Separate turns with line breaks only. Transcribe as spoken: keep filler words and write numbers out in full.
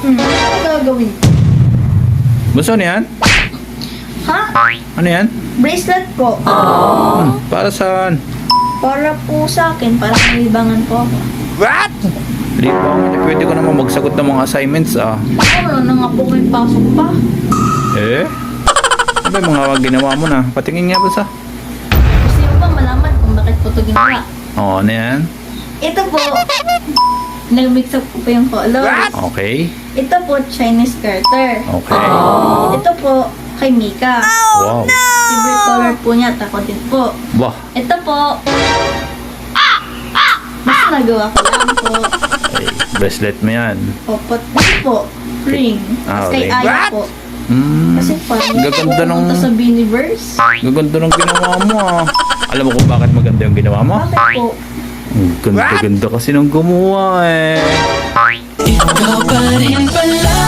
Hmm, ano gagawin?
Gusto ano yan?
Ha?
Ano yan?
Bracelet po.
Hmm, para saan?
Para po sa akin, para may libangan po ako.
What? Hindi ba? Pwede ko naman magsagot ng mga assignments ah.
Ano na nga po may pasok pa?
Eh? Ano ba yung mga ginawa mo na? Patingin nga ba sa?
Gusto mo ba malaman kung bakit po ito ginawa?
Oo, ano yan?
Ito po, nag-mix up ko po yung colors.
Okay.
Ito po, Chinese garter.
Okay.
Ito po, kay Mika.
Wow.
Favorite color po niya, at ako din po.
Bah.
Ito po, mas nagawa ko lang po.
Ay, bracelet mo yan.
Opo, ito po, ring.
Ah,
Tapos kay
ring.
Aya po.
Hmm.
Kasi parang
Gaganda nung...
pupunta sa Biniverse.
Gaganda ng ginawa mo ah. Alam mo kung bakit maganda yung ginawa mo?
Bakit po?
Ang ganda-ganda kasi ng gumawa eh.
Ikaw pa rin pala